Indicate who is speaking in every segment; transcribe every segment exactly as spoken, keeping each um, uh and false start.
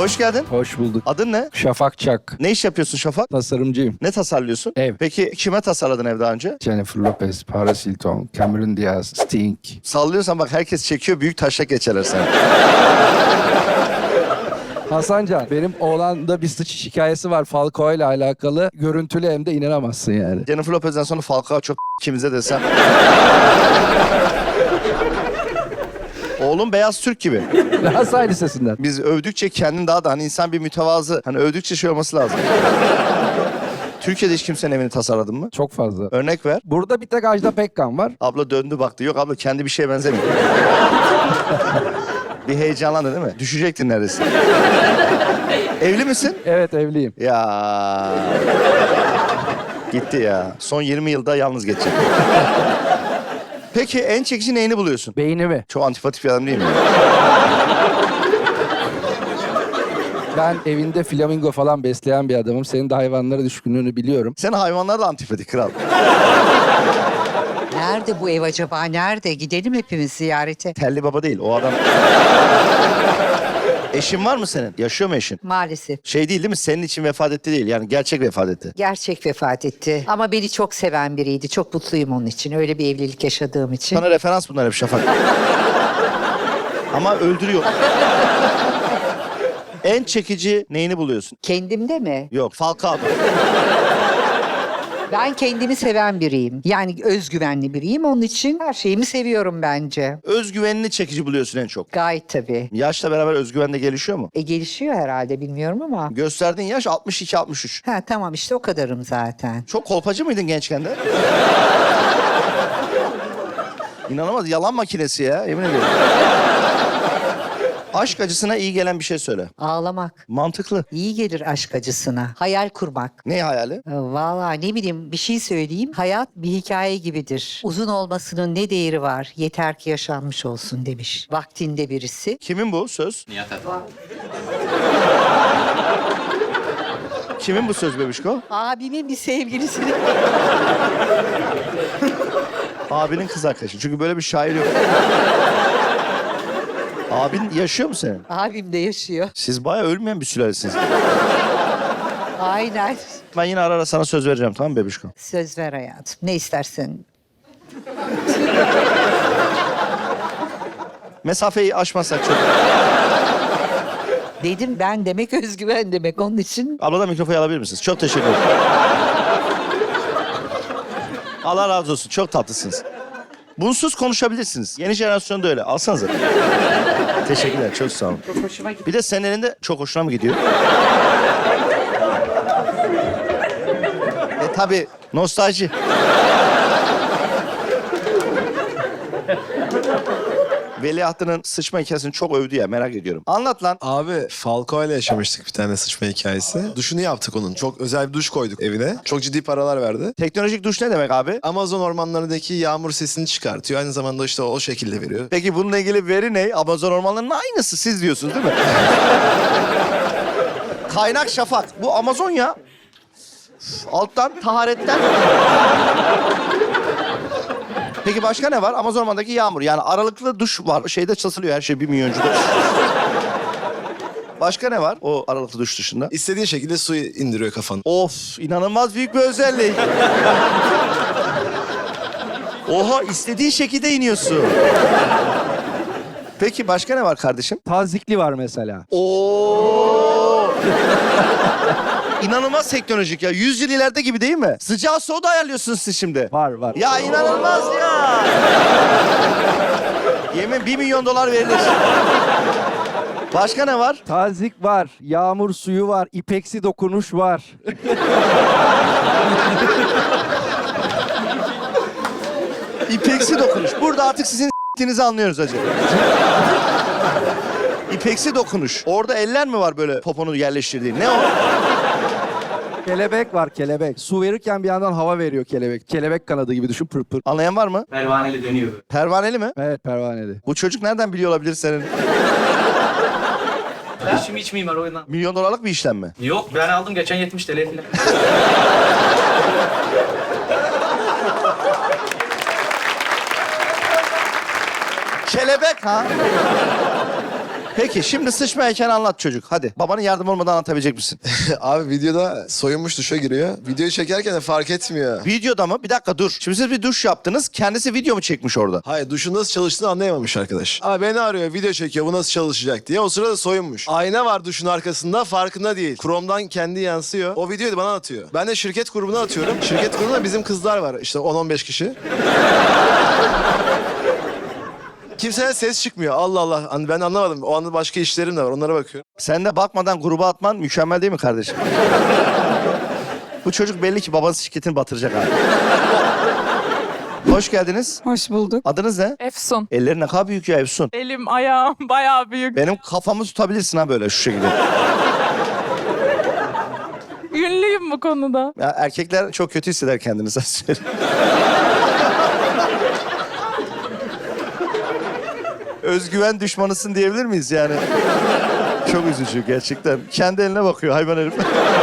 Speaker 1: Hoş geldin.
Speaker 2: Hoş bulduk.
Speaker 1: Adın ne?
Speaker 2: Şafak Çak.
Speaker 1: Ne iş yapıyorsun Şafak?
Speaker 2: Tasarımcıyım.
Speaker 1: Ne tasarlıyorsun?
Speaker 2: Ev.
Speaker 1: Peki kime tasarladın ev daha önce?
Speaker 2: Jennifer Lopez, Paris Hilton, Cameron Diaz, Sting.
Speaker 1: Sallıyorsan bak herkes çekiyor, büyük taşak geçerler sen.
Speaker 2: Hasancan, benim oğlanda bir sıçış hikayesi var Falcao ile alakalı. Görüntülü hem de inanamazsın yani.
Speaker 1: Jennifer Lopez'den sonra Falcao çok kimize desem. Oğlum beyaz Türk gibi.
Speaker 2: Galatasaray Lisesi'nden.
Speaker 1: Biz övdükçe kendin daha da hani insan bir mütevazı. Hani övdükçe şey olması lazım. Türkiye'de hiç kimsenin evini tasarladın mı?
Speaker 2: Çok fazla.
Speaker 1: Örnek ver.
Speaker 2: Burada bir tek Ajda Pekkan var.
Speaker 1: Abla döndü baktı. Yok abla kendi bir şeye benzemiyor. Bir heyecanlandı değil mi? Düşecektin neredeyse. Evli misin?
Speaker 2: Evet, evliyim.
Speaker 1: Ya. Gitti ya. Son yirmi yılda yalnız geçecek. Peki en çekici neyini buluyorsun?
Speaker 2: Beynimi.
Speaker 1: Çok antipatik bir adam değil mi?
Speaker 2: Ben evinde flamingo falan besleyen bir adamım. Senin de hayvanlara düşkünlüğünü biliyorum.
Speaker 1: Sen hayvanlar da antipatik kral.
Speaker 3: Nerede bu ev acaba? Nerede? Gidelim hepimiz ziyarete.
Speaker 1: Telli baba değil o adam. Eşin var mı senin? Yaşıyor mu eşin?
Speaker 3: Maalesef.
Speaker 1: Şey değil değil mi? Senin için vefat etti değil. Yani gerçek vefat etti.
Speaker 3: Gerçek vefat etti. Ama beni çok seven biriydi. Çok mutluyum onun için. Öyle bir evlilik yaşadığım için.
Speaker 1: Sana referans bunlar hep Şafak. Ama öldürüyor. En çekici neyini buluyorsun?
Speaker 3: Kendimde mi?
Speaker 1: Yok, Falcao.
Speaker 3: Ben kendimi seven biriyim. Yani özgüvenli biriyim. Onun için her şeyimi seviyorum bence.
Speaker 1: Özgüvenini çekici buluyorsun en çok.
Speaker 3: Gayet tabii.
Speaker 1: Yaşla beraber özgüven de gelişiyor mu?
Speaker 3: E gelişiyor herhalde bilmiyorum ama.
Speaker 1: Gösterdiğin yaş altmış iki altmış üç.
Speaker 3: Ha tamam işte o kadarım zaten.
Speaker 1: Çok kolpacı mıydın gençken de? İnanılmaz yalan makinesi ya yemin ediyorum. Aşk acısına iyi gelen bir şey söyle.
Speaker 3: Ağlamak.
Speaker 1: Mantıklı.
Speaker 3: İyi gelir aşk acısına. Hayal kurmak.
Speaker 1: Ne hayali?
Speaker 3: E, Vallahi ne bileyim bir şey söyleyeyim. Hayat bir hikaye gibidir. Uzun olmasının ne değeri var? Yeter ki yaşanmış olsun demiş. Vaktinde birisi.
Speaker 1: Kimin bu söz?
Speaker 4: Nihat Erdoğan.
Speaker 1: Kimin bu söz bebişko?
Speaker 3: Abimin bir sevgilisini.
Speaker 1: Abinin kız arkadaşı. Çünkü böyle bir şair yok. Abin yaşıyor mu senin?
Speaker 3: Abim de yaşıyor.
Speaker 1: Siz bayağı ölmeyen bir sülalesiniz.
Speaker 3: Aynen.
Speaker 1: Ben yine ara ara sana söz vereceğim tamam mı bebişko?
Speaker 3: Söz ver hayatım. Ne istersen.
Speaker 1: Mesafeyi aşmazsak çok.
Speaker 3: Dedim ben demek özgüven demek onun için.
Speaker 1: Abladan mikrofonu alabilir misiniz? Çok teşekkür ederim. Allah razı olsun. Çok tatlısınız. Bunsuz konuşabilirsiniz. Yeni jenerasyon da öyle. Alsanıza. Teşekkürler. Çok sağ olun.
Speaker 3: Çok hoşuma gitti.
Speaker 1: Bir de senin elinde çok hoşuna mı gidiyor? e tabii. Nostalji. Veliahtının sıçma hikayesini çok övdü ya merak ediyorum. Anlat lan.
Speaker 5: Abi Falcao ile yaşamıştık bir tane sıçma hikayesi. Duşunu yaptık onun. Çok özel bir duş koyduk evine. Çok ciddi paralar verdi.
Speaker 1: Teknolojik duş ne demek abi?
Speaker 5: Amazon ormanlarındaki yağmur sesini çıkartıyor. Aynı zamanda işte o şekilde veriyor.
Speaker 1: Peki bununla ilgili veri ne? Amazon ormanlarının aynısı siz diyorsunuz değil mi? Kaynak Şafak. Bu Amazon ya. Alttan, taharetten. Peki başka ne var? Amazon ormanındaki yağmur. Yani aralıklı duş var. Şeyde çalışılıyor her şey bir milyoncuda. Başka ne var o aralıklı duş dışında?
Speaker 5: İstediğin şekilde su indiriyor kafanı.
Speaker 1: Of inanılmaz büyük bir özellik. Oha istediğin şekilde iniyorsun. Peki başka ne var kardeşim?
Speaker 2: Tazikli var mesela.
Speaker 1: Oo. İnanılmaz teknolojik ya. Yüz yıl ileride gibi değil mi? Sıcağı soğuğu da ayarlıyorsunuz siz şimdi.
Speaker 2: Var var.
Speaker 1: Ya inanılmaz ya. Yemin bir milyon dolar verilir. Başka ne var?
Speaker 2: Tazik var, yağmur suyu var, ipeksi dokunuş var.
Speaker 1: İpeksi dokunuş. Burada artık sizin s**tinizi anlıyoruz hacı. İpeksi dokunuş. Orada eller mi var böyle poponu yerleştirdiğin? Ne o?
Speaker 2: Kelebek var, kelebek. Su verirken bir yandan hava veriyor kelebek. Kelebek kanadı gibi düşün, pır pır.
Speaker 1: Anlayan var mı?
Speaker 4: Pervaneli dönüyor.
Speaker 1: Pervaneli mi?
Speaker 2: Evet, pervaneli.
Speaker 1: Bu çocuk nereden biliyor olabilir senin?
Speaker 4: Eşim iç mimar o yüzden.
Speaker 1: Milyon dolarlık bir işlem mi?
Speaker 4: Yok ben aldım geçen yetmiş TL falan.
Speaker 1: Kelebek ha? Peki şimdi sıçma heykelini anlat çocuk. Hadi babanın yardım olmadan anlatabilecek misin?
Speaker 5: Abi videoda soyunmuş duşa giriyor. Videoyu çekerken de fark etmiyor.
Speaker 1: Videoda mı? Bir dakika dur. Şimdi siz bir duş yaptınız. Kendisi video mu çekmiş orada?
Speaker 5: Hayır, duşun nasıl çalıştığını anlayamamış arkadaş. Abi beni arıyor, video çekiyor, bu nasıl çalışacak diye. O sırada soyunmuş. Ayna var duşun arkasında, farkında değil. Chrome'dan kendi yansıyor. O videoyu da bana atıyor. Ben de şirket grubuna atıyorum. Şirket grubunda bizim kızlar var. İşte on on beş kişi. Kimseye ses çıkmıyor. Allah Allah. Hani ben anlamadım. O anda başka işlerim de var. Onlara bakıyorum.
Speaker 1: Sen de bakmadan gruba atman mükemmel değil mi kardeşim? Bu çocuk belli ki babası şirketini batıracak abi. Hoş geldiniz.
Speaker 6: Hoş bulduk.
Speaker 1: Adınız ne?
Speaker 6: Efsun.
Speaker 1: Ellerin ne kadar büyük ya Efsun.
Speaker 6: Elim, ayağım bayağı büyük.
Speaker 1: Benim kafamı tutabilirsin ha böyle şu şekilde.
Speaker 6: Ünlüyüm bu konuda.
Speaker 1: Ya erkekler çok kötü hisseder kendini sen söyle. Özgüven düşmanısın diyebilir miyiz yani? Çok üzücü gerçekten. Kendi eline bakıyor hayvan herif.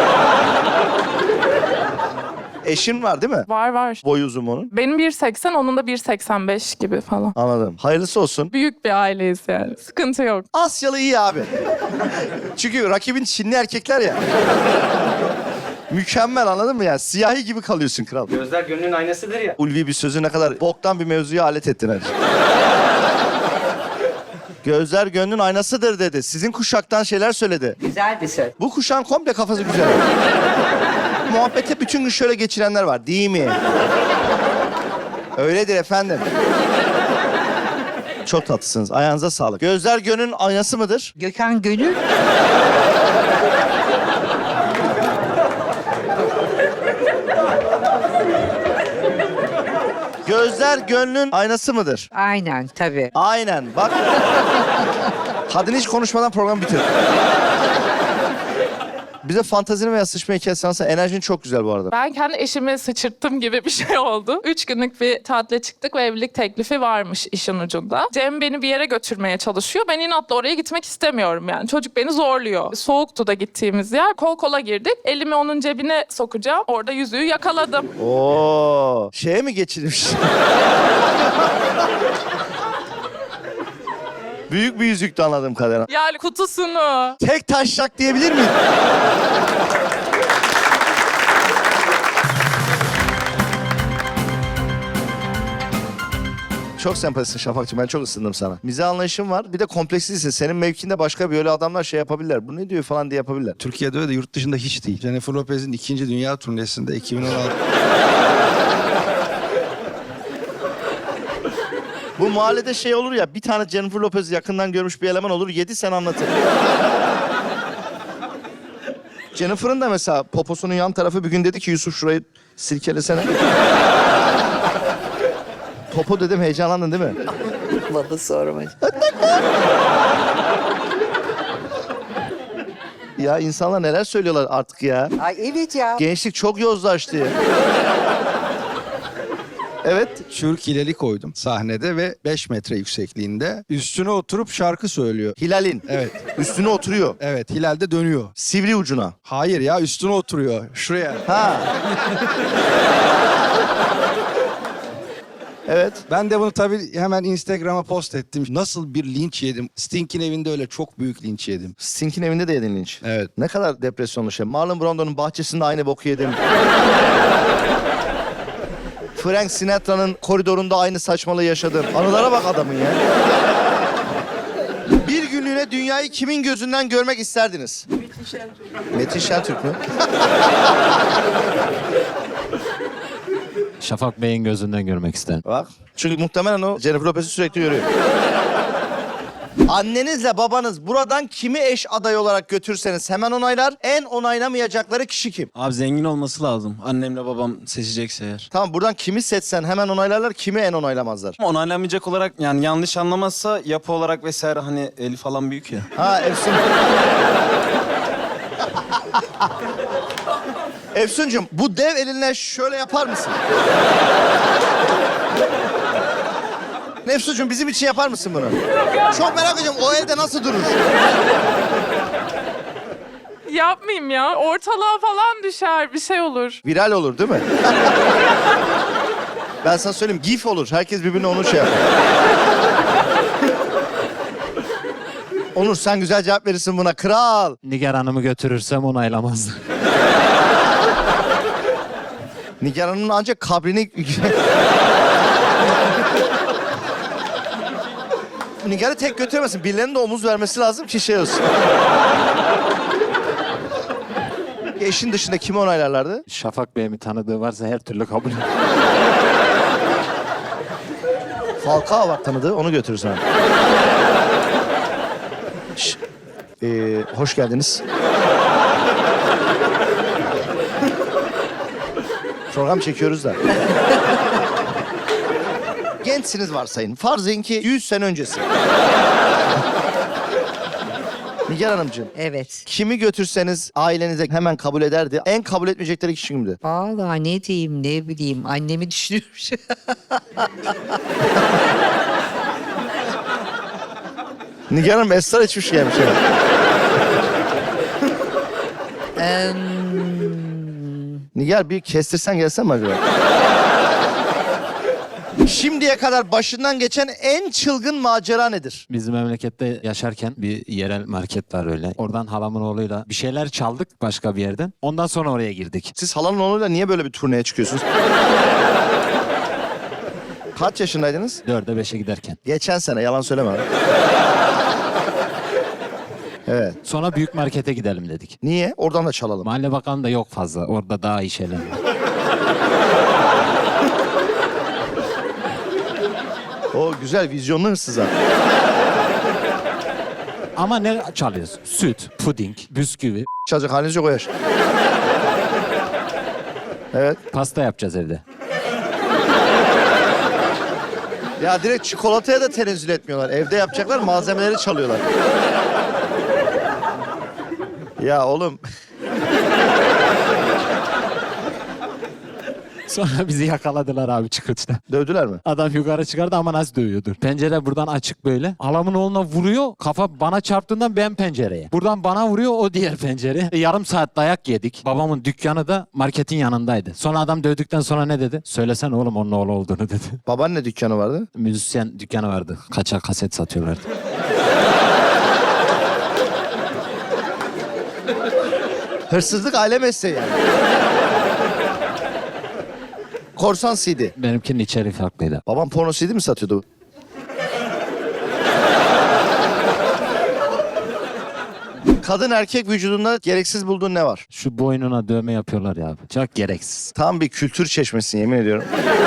Speaker 1: Eşin var değil mi?
Speaker 6: Var var.
Speaker 1: Boyu uzun onun.
Speaker 6: Benim bir seksen, onun da bir seksen beş gibi falan.
Speaker 1: Anladım. Hayırlısı olsun.
Speaker 6: Büyük bir aileyiz yani. Sıkıntı yok.
Speaker 1: Asyalı iyi abi. Çünkü rakibin Çinli erkekler ya. Mükemmel, anladın mı ya? Siyahi gibi kalıyorsun kral.
Speaker 4: Gözler gönlün aynasıdır ya.
Speaker 1: Ulvi bir sözü ne kadar boktan bir mevzuya alet ettin hadi. Gözler gönlün aynasıdır dedi. Sizin kuşaktan şeyler söyledi.
Speaker 3: Güzel bir söz.
Speaker 1: Bu kuşağın komple kafası güzel. Muhabbete bütün gün şöyle geçirenler var değil mi? Öyledir efendim. Çok tatlısınız. Ayağınıza sağlık. Gözler gönlün aynası mıdır?
Speaker 3: Gökhan Gönül.
Speaker 1: Gözler gönlün aynası mıdır?
Speaker 3: Aynen tabii.
Speaker 1: Aynen. Bak. Kadın hiç konuşmadan programı bitirdi. Bize fantazini veya sıçma hikayesi anlatsan. Enerjin çok güzel bu arada.
Speaker 6: Ben kendi eşimi sıçırttım gibi bir şey oldu. Üç günlük bir tatile çıktık ve evlilik teklifi varmış işin ucunda. Cem beni bir yere götürmeye çalışıyor. Ben inatla oraya gitmek istemiyorum yani. Çocuk beni zorluyor. Soğuktu da gittiğimiz yer. Kol kola girdik. Elimi onun cebine sokacağım. Orada yüzüğü yakaladım.
Speaker 1: Oo, şeye mi geçirmiş? Büyük bir yüzüktü anladığım kadarıyla.
Speaker 6: Yani kutusunu.
Speaker 1: Tek taşak diyebilir miyim? Çok sempatisin Şafakcığım. Ben çok ısındım sana. Mizah anlayışın var. Bir de komplekslisin. Senin mevkinde başka böyle adamlar şey yapabilirler. Bu ne diyor falan diye yapabilirler.
Speaker 2: Türkiye'de öyle de yurt dışında hiç değil. Jennifer Lopez'in ikinci dünya turnesinde iki bin on altı.
Speaker 1: Bu mahallede şey olur ya, bir tane Jennifer Lopez'i yakından görmüş bir eleman olur, yedi sene anlatır. Jennifer'ın da mesela poposunun yan tarafı bir gün dedi ki Yusuf şurayı silkelesene. Popo dedim, heyecanlandın değil mi?
Speaker 3: Bana sorma.
Speaker 1: Ya insanlar neler söylüyorlar artık ya.
Speaker 3: Ay evet ya.
Speaker 1: Gençlik çok yozlaştı. Evet.
Speaker 2: Çürük hileli koydum sahnede ve beş metre yüksekliğinde. Üstüne oturup şarkı söylüyor.
Speaker 1: Hilal'in.
Speaker 2: Evet.
Speaker 1: Üstüne oturuyor.
Speaker 2: Evet, Hilal de dönüyor.
Speaker 1: Sivri ucuna.
Speaker 2: Hayır ya, üstüne oturuyor. Şuraya.
Speaker 1: Ha. Evet.
Speaker 2: Ben de bunu tabii hemen Instagram'a post ettim. Nasıl bir linç yedim. Sting'in evinde öyle çok büyük linç yedim.
Speaker 1: Sting'in evinde de yedin linç.
Speaker 2: Evet.
Speaker 1: Ne kadar depresyonlu şey. Marlon Brando'nun bahçesinde aynı boku yedim. Frank Sinatra'nın koridorunda aynı saçmalığı yaşadım. Anılara bak adamın ya. Bir günlüğüne dünyayı kimin gözünden görmek isterdiniz? Metin Şentürk. Metin Şentürk mü?
Speaker 7: Şafak Bey'in gözünden görmek isterim.
Speaker 1: Bak. Çünkü muhtemelen o Jennifer Lopez'i sürekli görüyor. Annenizle babanız buradan kimi eş adayı olarak götürseniz hemen onaylar. En onaylamayacakları kişi kim?
Speaker 8: Abi zengin olması lazım. Annemle babam seçecekse eğer.
Speaker 1: Tamam, buradan kimi seçsen hemen onaylarlar, kimi en onaylamazlar.
Speaker 8: Ama onaylanmayacak olarak yani yanlış anlamazsa yapı olarak vesaire hani eli falan büyük ya.
Speaker 1: Ha Efsun. Efsuncuğum, bu dev elinle şöyle yapar mısın? Efsuncuğum, bizim için yapar mısın bunu? Çok merak ediyorum, o elde nasıl durur?
Speaker 6: Yapmayayım ya. Ortalığa falan düşer. Bir şey olur.
Speaker 1: Viral olur değil mi? Ben sana söyleyeyim, gif olur. Herkes birbirine onu şey yapar. Onur sen güzel cevap verirsin buna. Kral.
Speaker 7: Nigar Hanım'ı götürürsem onaylamazdı.
Speaker 1: Nigar Hanım'ın ancak kabrini... Nigar'ı tek götüremezsin. Birilerinin de omuz vermesi lazım ki şey olsun. Eşin dışında kimi onaylarlardı?
Speaker 7: Şafak Bey'in bir tanıdığı varsa her türlü kabul.
Speaker 1: Falcao var tanıdığı, onu götürürsün abi. Şş, ee, hoş geldiniz. Program çekiyoruz da. Gençsiniz varsayın. Farz edin ki yüz sene öncesi. Nigar Hanımcığım,
Speaker 3: Evet.
Speaker 1: kimi götürseniz ailenize hemen kabul ederdi. En kabul etmeyecekleri kişi kimdi?
Speaker 3: Vallahi ne diyeyim ne bileyim annemi düşünüyorum.
Speaker 1: Nigar Hanım esrar içmiş gelmiş. Yani.
Speaker 3: Em,
Speaker 1: Nigar bir kestirsen gelsen mi acaba? Şimdiye kadar başından geçen en çılgın macera nedir?
Speaker 7: Bizim memlekette yaşarken bir yerel market var öyle. Oradan halamın oğluyla bir şeyler çaldık başka bir yerden. Ondan sonra oraya girdik.
Speaker 1: Siz halanın oğluyla niye böyle bir turneye çıkıyorsunuz? Kaç yaşındaydınız?
Speaker 7: Dörde beşe giderken.
Speaker 1: Geçen sene, yalan söyleme abi. Evet.
Speaker 7: Sonra büyük markete gidelim dedik.
Speaker 1: Niye? Oradan da çalalım.
Speaker 7: Mahalle bakanı da yok fazla. Orada daha iyi şeyler var.
Speaker 1: O güzel, vizyonlu hırsız abi.
Speaker 7: Ama ne çalıyoruz? Süt, puding, bisküvi,
Speaker 1: Çalacak haliniz yok o yaş. Evet.
Speaker 7: pasta yapacağız evde.
Speaker 1: Ya direkt çikolataya da tenezzül etmiyorlar. Evde yapacaklar, malzemeleri çalıyorlar. Ya oğlum.
Speaker 7: Sonra bizi yakaladılar abi çıkışta.
Speaker 1: Dövdüler mi?
Speaker 7: Adam yukarı çıkardı ama nasıl dövüyordur. Pencere buradan açık böyle. Halamın oğluna vuruyor. Kafa bana çarptığından ben pencereye. Buradan bana vuruyor o diğer pencere. E, yarım saat dayak yedik. Babamın dükkanı da marketin yanındaydı. Sonra adam dövdükten sonra ne dedi? Söylesene oğlum onun oğlu olduğunu dedi.
Speaker 1: Babaanne dükkanı vardı.
Speaker 7: Müzisyen dükkanı vardı. Kaçak kaset satıyorlardı.
Speaker 1: Hırsızlık aile mesleği yani. Korsan C D.
Speaker 7: Benimkinin içeriği farklıydı.
Speaker 1: Babam porno C D mi satıyordu? Kadın erkek vücudunda gereksiz bulduğun ne var?
Speaker 7: Şu boynuna dövme yapıyorlar ya abi. Çok gereksiz.
Speaker 1: Tam bir kültür çeşmesi yemin ediyorum.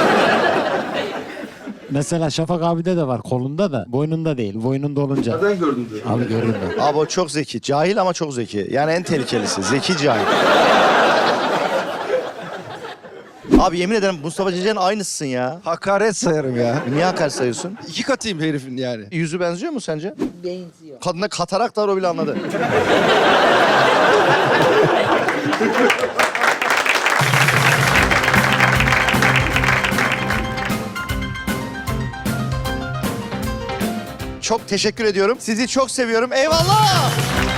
Speaker 7: Mesela Şafak abide de var kolunda da boynunda değil. Boynunda olunca. Nereden gördün diyor. Abi görüyorum.
Speaker 1: Abi o çok zeki. Cahil ama çok zeki. Yani en tehlikelisi. Zeki cahil. Abi yemin ederim Mustafa Ceceli'nin aynısısın ya.
Speaker 2: Hakaret sayarım ya.
Speaker 1: Niye hakaret sayıyorsun?
Speaker 2: İki katıyım herifin yani.
Speaker 1: Yüzü benziyor mu sence?
Speaker 3: benziyor.
Speaker 1: Kadına katarak da var, o bile anladı. Çok teşekkür ediyorum. Sizi çok seviyorum. Eyvallah!